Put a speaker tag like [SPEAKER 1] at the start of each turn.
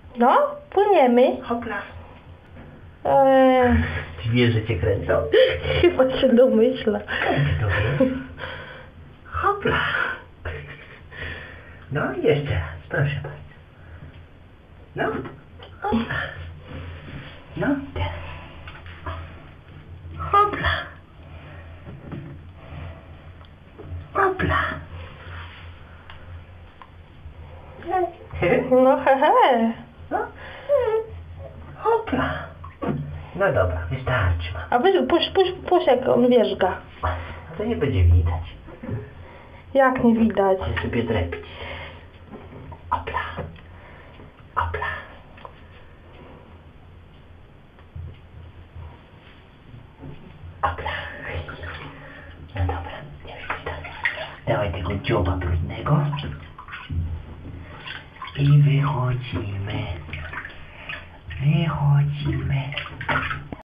[SPEAKER 1] No, płyniemy.
[SPEAKER 2] Hopla.
[SPEAKER 1] Eee,
[SPEAKER 2] Ty wiesz, że cię kręcą?
[SPEAKER 1] chyba się domyśla.
[SPEAKER 2] To wiesz? Hopla. No i jeszcze raz, proszę bardzo. No. Hopla. No, teraz. Hopla. Hopla.
[SPEAKER 1] No hehe.
[SPEAKER 2] No. Hopla. No dobra, wystarczy mam.
[SPEAKER 1] A weź, puść jak on wierzga.
[SPEAKER 2] To nie będzie widać.
[SPEAKER 1] Jak nie widać.
[SPEAKER 2] Chcę sobie drepić. Hopla. Hopla. Hopla. No dobra, nie widać. Dawaj tego dzioba brudnego. I wychodzimy. Wychodzimy.